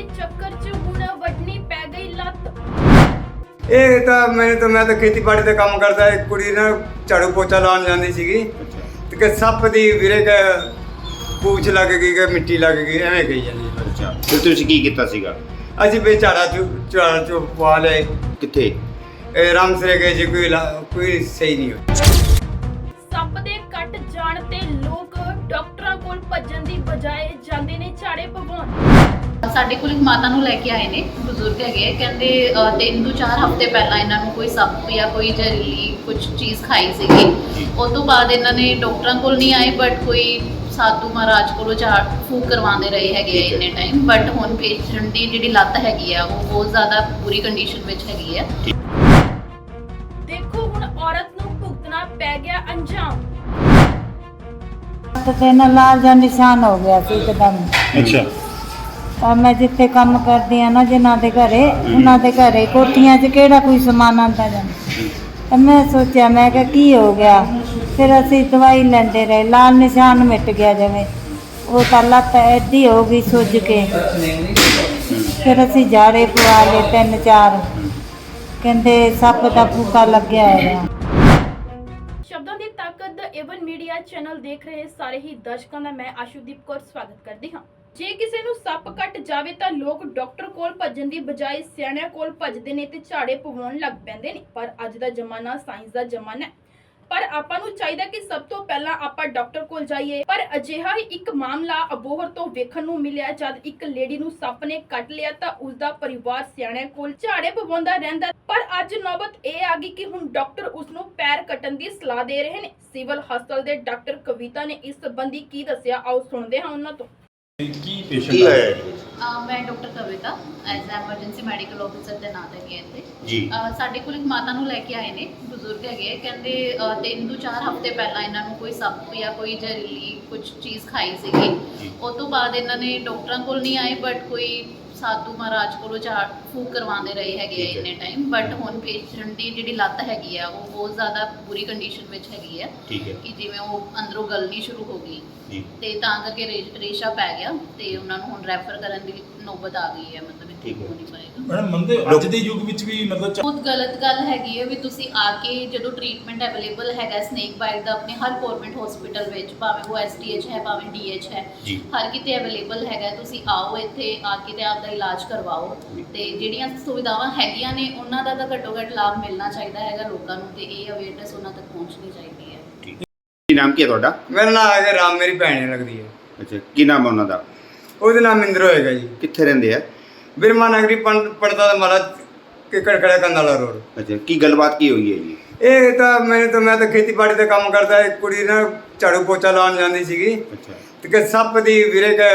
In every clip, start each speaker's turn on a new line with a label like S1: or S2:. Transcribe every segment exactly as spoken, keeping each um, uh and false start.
S1: ਦੇ ਚੱਕਰ 'ਚ ਹੁਣ ਵੱਢਣੀ ਪੈ ਗਈ ਲੱਤ।
S2: ਇਹ ਤਾਂ ਮੈਨੂੰ ਤਾਂ ਮੈਂ ਤਾਂ ਖੇਤੀਬਾੜੀ ਦਾ ਕੰਮ ਕਰਦਾ, ਇੱਕ ਕੁੜੀ ਨਾ ਝਾੜੂ ਪੋਚਾ ਲਾਉਣ ਜਾਂਦੀ ਸੀਗੀ ਤੇ ਕਿ ਸੱਪ ਦੀ ਵੀਰੇ ਕ ਪੂਛ ਲੱਗ ਗਈ ਕਿ ਮਿੱਟੀ ਲੱਗ ਗਈ, ਐਵੇਂ ਕਹੀ ਜਾਂਦੀ।
S3: ਅੱਛਾ, ਫਿਰ ਤੁਸੀਂ ਕੀ ਕੀਤਾ ਸੀਗਾ?
S2: ਅਸੀਂ ਵੀ ਝਾੜਾ ਚੂ ਝਾੜ ਚੂ ਪਵਾ ਲਏ।
S3: ਕਿੱਥੇ?
S2: ਇਹ ਰਾਮਸਰੇ ਗਏ ਜੀ, ਕੋਈ ਲਾ- ਕੋਈ ਸਹੀ ਨਹੀਂ ਹੋਈ।
S1: ਸੱਪ ਦੇ ਕੱਟ ਜਾਣ ਤੇ ਲੋਕ ਡਾਕਟਰਾਂ ਕੋਲ ਭੱਜਣ ਦੀ ਬਜਾਏ ਜਾਂਦੇ ਨੇ ਝਾੜੇ ਪਵਾਉਣ।
S4: ਸਾਡੇ ਕੋਲ ਇੱਕ ਮਾਤਾ ਨੂੰ ਲੈ ਕੇ ਆਏ ਨੇ, ਬਜ਼ੁਰਗ ਹੈਗੇ ਆ, ਕਹਿੰਦੇ ਅ, ਤਿੰਨ ਤੋਂ ਚਾਰ ਹਫ਼ਤੇ ਪਹਿਲਾਂ ਇਹਨਾਂ ਨੂੰ ਕੋਈ ਸੱਪ ਜਾਂ ਕੋਈ ਜ਼ਹਿਰੀਲੀ ਕੁਝ ਚੀਜ਼ ਖਾਈ ਸੀਗੀ। ਉਸ ਤੋਂ ਬਾਅਦ ਇਹਨਾਂ ਨੇ ਡਾਕਟਰਾਂ ਕੋਲ ਨਹੀਂ ਆਏ, ਬਟ ਕੋਈ ਸਾਧੂ ਮਹਾਰਾਜ ਕੋਲੋਂ ਝਾੜ ਫੂਕ ਕਰਵਾਉਂਦੇ ਰਹੇ ਹੈਗੇ ਆ ਇੰਨੇ ਟਾਈਮ। ਬਟ ਹੁਣ ਪੇਸ਼ੈਂਟ ਦੀ ਜਿਹੜੀ ਲੱਤ ਹੈਗੀ ਆ ਉਹ ਬਹੁਤ ਜ਼ਿਆਦਾ ਬੁਰੀ ਕੰਡੀਸ਼ਨ ਵਿੱਚ ਹੈਗੀ ਆ।
S1: ਦੇਖੋ ਹੁਣ ਔਰਤ ਨੂੰ ਭੁਗਤਣਾ ਪੈ ਗਿਆ ਅੰਜਾਮ।
S5: ਤੇ ਨਾ ਲਾਲ ਜਿਹਾ ਨਿਸ਼ਾਨ ਹੋ ਗਿਆ ਸੀ ਇੱਕਦਮ।
S3: ਅੱਛਾ,
S5: ਤਾਂ ਮੈਂ ਜਿੱਥੇ ਕੰਮ ਕਰਦੀ ਆ ਨਾ ਜਿਨ੍ਹਾਂ ਦੇ ਘਰੇ, ਉਹਨਾਂ ਦੇ ਘਰੇ ਕੋਠੀਆਂ 'ਚ ਕਿਹੜਾ ਕੋਈ ਸਮਾਨ ਆਉਂਦਾ ਜਾਂਦਾ। ਤਾਂ ਮੈਂ ਸੋਚਿਆ, ਮੈਂ ਕਿਹਾ ਕੀ ਹੋ ਗਿਆ। ਫਿਰ ਅਸੀਂ ਦਵਾਈ ਲੈਂਦੇ ਰਹੇ, ਲਾਲ ਨਿਸ਼ਾਨ ਮਿਟ ਗਿਆ ਜਿਵੇਂ। ਉਹ ਤਾਂ ਲੱਤ ਐਡੀ ਹੋ ਗਈ ਸੁੱਜ ਕੇ। ਫਿਰ ਅਸੀਂ ਜਾੜੇ ਪਵਾ ਲਏ ਤਿੰਨ ਚਾਰ, ਕਹਿੰਦੇ ਸੱਪ ਦਾ ਫੂਕਾ ਲੱਗਿਆ ਹੈ।
S1: ਸ਼ਬਦਾਂ ਦੀ ਤਾਕਤ ਦਾ ਏਵਨ ਮੀਡੀਆ ਚੈਨਲ ਦੇਖ ਰਹੇ ਸਾਰੇ ਹੀ ਦਰਸ਼ਕਾਂ ਦਾ ਮੈਂ ਆਸ਼ੂਦੀਪ ਕੌਰ ਸਵਾਗਤ ਕਰਦੀ ਹਾਂ। ਜੇ ਕਿਸੇ ਨੂੰ ਸੱਪ ਕੱਟ ਜਾਵੇ ਤਾਂ ਲੋਕ ਡਾਕਟਰ ਕੋਲ ਭੱਜਣ ਦੀ ਬਜਾਏ ਸਿਆਣਿਆਂ ਕੋਲ ਭੱਜਦੇ ਨੇ ਤੇ ਝਾੜੇ ਪਵਾਉਣ ਲੱਗ ਪੈਂਦੇ ਨੇ। ਪਰ ਅੱਜ ਦਾ ਜ਼ਮਾਨਾ ਸਾਇੰਸ ਦਾ ਜ਼ਮਾਨਾ ਹੈ, ਪਰ ਆਪਾਂ ਨੂੰ ਚਾਹੀਦਾ ਕਿ ਸਭ ਤੋਂ ਪਹਿਲਾਂ ਆਪਾਂ ਡਾਕਟਰ ਕੋਲ ਜਾਈਏ। ਪਰ ਅਜਿਹਾ ਹੀ ਇੱਕ ਮਾਮਲਾ ਅਬੋਹਰ ਤੋਂ ਵੇਖਣ ਨੂੰ ਮਿਲਿਆ। ਜਦ ਇੱਕ ਲੇਡੀ ਨੂੰ ਸੱਪ ਨੇ ਕੱਟ ਲਿਆ ਤਾਂ ਉਸ ਦਾ ਪਰਿਵਾਰ ਸਿਆਣਿਆਂ ਕੋਲ ਝਾੜੇ ਪਵਾਉਂਦਾ ਰਹਿੰਦਾ। ਪਰ ਅੱਜ ਨੌਬਤ ਇਹ ਆ ਗਈ ਕਿ ਹੁਣ ਡਾਕਟਰ ਉਸ ਨੂੰ ਪੈਰ ਕੱਟਣ ਦੀ ਸਲਾਹ ਦੇ ਰਹੇ ਨੇ। ਸਿਵਲ ਹਸਪਤਾਲ ਦੇ ਡਾਕਟਰ ਕਵਿਤਾ ਨੇ ਇਸ ਸੰਬੰਧੀ ਕੀ ਦੱਸਿਆ, ਆਓ ਸੁਣਦੇ ਹਾਂ ਉਹਨਾਂ ਤੋਂ।
S3: ਕੀ ਪੇਸ਼ੈਂਟ ਆਇਆ ਜੀ?
S4: ਅ, ਮੈਂ doctor Kavita as emergency medical officer ਦੇ ਨਾਂ ਤੇ ਇੱਥੇ
S3: ਜੀ।
S4: ਅ, ਸਾਡੇ ਕੋਲ ਇੱਕ ਮਾਤਾ ਨੂੰ ਲੈ ਕੇ ਆਏ ਨੇ, ਬਜ਼ੁਰਗ ਹੈਗੇ ਆ, ਕਹਿੰਦੇ ਅ, ਤਿੰਨ ਤੋਂ ਚਾਰ ਹਫ਼ਤੇ ਪਹਿਲਾਂ ਇਹਨਾਂ ਨੂੰ ਕੋਈ ਸੱਪ ਜਾਂ ਕੋਈ ਜ਼ਹਿਰੀਲੀ ਕੁਝ ਚੀਜ਼ ਖਾਈ ਸੀਗੀ। ਉਸ ਤੋਂ ਬਾਅਦ ਇਹਨਾਂ ਨੇ ਡਾਕਟਰਾਂ ਕੋਲ ਨਹੀਂ ਆਏ, ਬਟ ਕੋਈ ਸਾਧੂ ਮਹਾਰਾਜ ਕੋਲੋਂ ਝਾੜ ਫੂਕ ਕਰਵਾਉਂਦੇ ਰਹੇ ਹੈਗੇ ਆ ਇੰਨੇ ਟਾਈਮ। ਬਟ ਹੁਣ ਪੇਸ਼ੈਂਟ ਦੀ ਜਿਹੜੀ ਲੱਤ ਹੈਗੀ ਆ ਉਹ ਬਹੁਤ ਜ਼ਿਆਦਾ ਬੁਰੀ ਕੰਡੀਸ਼ਨ ਵਿੱਚ ਹੈਗੀ ਆ
S3: ਠੀਕ ਹੈ
S4: ਕਿ ਜਿਵੇਂ ਉਹ ਅੰਦਰੋਂ ਗਲਣੀ ਸ਼ੁਰੂ ਹੋ ਗਈ
S3: ਜੀ।
S4: ਤੇ ਤਾਂ ਕਰਕੇ ਰੇ- ਰੇਸ਼ਾ ਪੈ ਗਿਆ ਤੇ ਉਹਨਾਂ ਨੂੰ ਹੁਣ ਰੈਫਰ ਕਰਨ ਦੀ ਨੌਬਤ ਆ ਗਈ ਹੈ। ਮਤਲਬ
S3: ਠੀਕ
S4: ਇੱਥੇ
S3: ਹੈ।
S4: ਹੋ ਨਹੀਂ ਪਾਏਗਾ।
S6: ਮੈਡਮ ਮੰਨਦੇ ਹੋ ਅੱਜ ਦੇ ਯੁੱਗ ਵਿੱਚ ਵੀ ਮਤਲਬ
S4: ਬਹੁਤ ਗਲਤ ਗੱਲ ਹੈਗੀ ਹੈ ਵੀ ਤੁਸੀਂ ਆ ਕੇ ਜਦੋਂ ਟ੍ਰੀਟਮੈਂਟ ਅਵੇਲੇਬਲ ਹੈਗਾ ਸਨੇਕ ਬਾਈਟ ਦਾ ਆਪਣੇ ਹਰ ਗੌਰਮੈਂਟ ਹਸਪੀਟਲ ਵਿੱਚ, ਭਾਵੇਂ ਉਹ ਐਸ ਟੀ ਐਚ ਹੈ ਭਾਵੇਂ ਡੀ ਐਚ ਹੈ,
S3: ਜੀ।
S4: ਹਰ ਕਿਤੇ ਅਵੇਲੇਬਲ ਹੈਗਾ। ਤੁਸੀਂ ਆਓ ਇੱਥੇ ਆ ਕੇ ਤੇ ਆਪਦਾ ਇਲਾਜ ਕਰਵਾਓ ਤੇ ਜਿਹੜੀਆਂ ਸੁਵਿਧਾਵਾਂ ਹੈਗੀਆਂ ਨੇ ਉਹਨਾਂ ਦਾ ਤਾਂ ਘੱਟੋ ਘੱਟ ਲਾਭ ਮਿਲਣਾ ਚਾਹੀਦਾ ਹੈਗਾ ਲੋਕਾਂ ਨੂੰ, ਤੇ ਇਹ ਅਵੇਅਰਨੈਸ ਉਹਨਾਂ ਤੱਕ ਪਹੁੰਚਣੀ ਚਾਹੀਦੀ ਹੈ।
S3: ਕੀ ਨਾਮ ਕੀ ਹੈ ਤੁਹਾਡਾ?
S2: ਮੇਰਾ ਨਾਮ ਹੈਗਾ ਰਾਮ, ਮੇਰੀ ਭੈਣ ਲੱਗਦੀ ਹੈ।
S3: ਅੱਛਾ, ਕੀ ਨਾਮ ਹੈ ਉਹਨਾਂ ਦਾ?
S2: ਉਹਦਾ ਨਾਮ ਇੰਦਰ ਹੋਏਗਾ ਜੀ।
S3: ਕਿੱਥੇ ਰਹਿੰਦੇ ਆ?
S2: ਬਿਰਮਾ ਨਗਰੀ ਪੜਦਾ ਦਾ ਮਾਰਾ ਕਿਕੜ ਖੜਾ ਕੰਦਾਲਾ ਰੋਡ।
S3: ਅੱਛਾ, ਕੀ ਗੱਲਬਾਤ ਕੀ ਹੋਈ ਹੈ ਜੀ?
S2: ਇਹ ਤਾਂ ਮੈਨੂੰ ਤਾਂ ਮੈਂ ਤਾਂ ਖੇਤੀਬਾੜੀ ਦਾ ਕੰਮ ਕਰਦਾ, ਇੱਕ ਕੁੜੀ ਨਾ ਝਾੜੂ ਪੋਚਾ ਲਾਉਣ ਜਾਂਦੀ ਸੀਗੀ
S3: ਅੱਛਾ,
S2: ਤੇ ਕਿ ਸੱਪ ਦੀ ਵੀਰੇ ਕ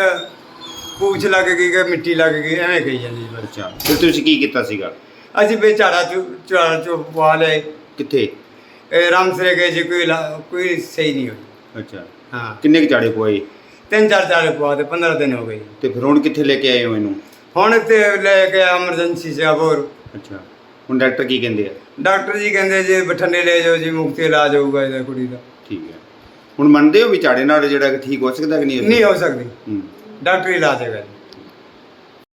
S2: ਪੂਛ ਲੱਗ ਗਈ ਕਿ ਮਿੱਟੀ ਲੱਗ ਗਈ, ਐਵੇਂ ਕਹੀ ਜਾਂਦੀ।
S3: ਅੱਛਾ, ਫਿਰ ਤੁਸੀਂ ਕੀ ਕੀਤਾ ਸੀਗਾ?
S2: ਅਸੀਂ ਵੀ ਝਾੜਾ ਚੂ ਝਾੜ ਚੂ ਪਵਾ ਲਏ।
S3: ਕਿੱਥੇ?
S2: ਇਹ ਰਾਮਸਰੇ ਗਏ ਜੀ, ਕੋਈ ਲਾ- ਕੋਈ ਸਹੀ ਨਹੀਂ ਹੋਈ।
S3: ਅੱਛਾ,
S2: ਹਾਂ,
S3: ਕਿੰਨੇ ਕੁ ਝਾੜੇ ਪਵਾਏ?
S2: ਤਿੰਨ ਚਾਰ ਝਾੜੇ ਪਵਾ ਤੇ ਪੰਦਰਾਂ ਦਿਨ ਹੋ ਗਏ।
S3: ਤੇ ਫਿਰ ਹੁਣ ਕਿੱਥੇ ਲੈ ਕੇ ਆਏ ਹੋ ਇਹਨੂੰ?
S2: ਹੁਣ ਤੇ ਲੈ ਕੇ ਐਮਰਜੈਂਸੀ ਸੇ ਅਬੋਰ।
S3: ਅੱਛਾ, ਹੁਣ ਡਾਕਟਰ ਕੀ ਕਹਿੰਦੇ ਆ?
S2: ਡਾਕਟਰ ਜੀ ਕਹਿੰਦੇ ਜੀ ਬਠਿੰਡੇ ਲੈ ਜਾਓ ਜੀ, ਮੁਫਤ ਇਲਾਜ ਹੋਊਗਾ ਇਹਦਾ ਕੁੜੀ ਦਾ।
S3: ਠੀਕ ਹੈ, ਹੁਣ ਮੰਨਦੇ ਹੋ ਵੀ ਝਾੜੇ ਨਾਲ ਜਿਹੜਾ ਕਿ ਠੀਕ ਹੋ ਸਕਦਾ ਕਿ ਨਹੀਂ?
S2: ਨਹੀਂ ਹੋ ਸਕਦੀ,
S3: ਹੂੰ।
S2: ਡਾਕਟਰੀ ਇਲਾਜ ਹੈਗਾ ਜੀ।